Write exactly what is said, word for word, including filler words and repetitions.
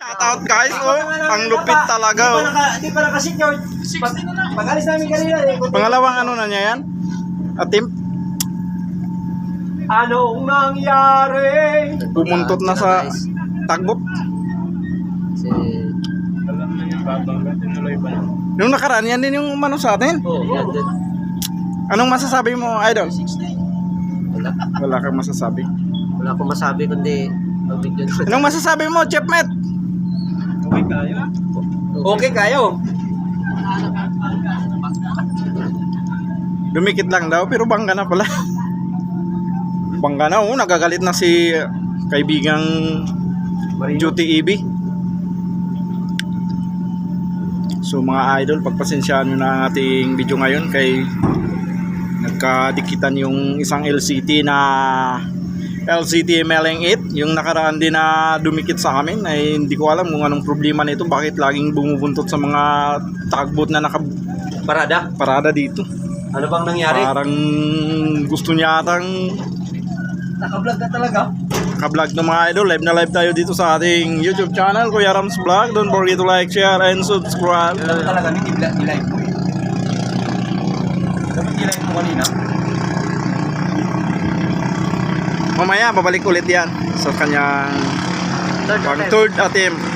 Shoutout guys, oh, ang lupit talaga oh. Hindi pa naka-secure. Pag-alis namin kanina eh. Pangalawang ano na niya yan? Atim? Anong nangyari? Pumuntot na sa tagbot. Si... Alam na niya, babangga, tinuloy pa na. Yung nakaraan yan din yung umano sa atin. Oh, yan din. Anong masasabi mo, idol? Wala. Wala kang masasabi. Wala akong masabi kundi ang video na. Anong masasabi mo, Chef Met? Okay kayo? Okay kayo? Dumikit lang daw, pero bangga na pala. Bangga na, oh, nagagalit na si kaibigang Duty E B. So mga idol, pagpasensyaan nyo na ang ating video ngayon kay nagkadikitan yung isang L C T na L C T M L N eight, yung nakaraan din na dumikit sa amin ay hindi ko alam kung anong problema nito, bakit laging bumubuntot sa mga tagbot na nakaparada parada dito. Ano bang nangyari? Parang gusto niya atang Naka-vlog ka talaga? ka-vlog ng mga idol. Live na live tayo dito sa ating YouTube channel, Kuya Rams Vlog. Don't forget to like, share, and subscribe. Alam talaga, hindi nilive mo eh. Dapat nilive mo kanina. Mamaya babalik ulit yan sa kanyang Third pang attempt. third attempt.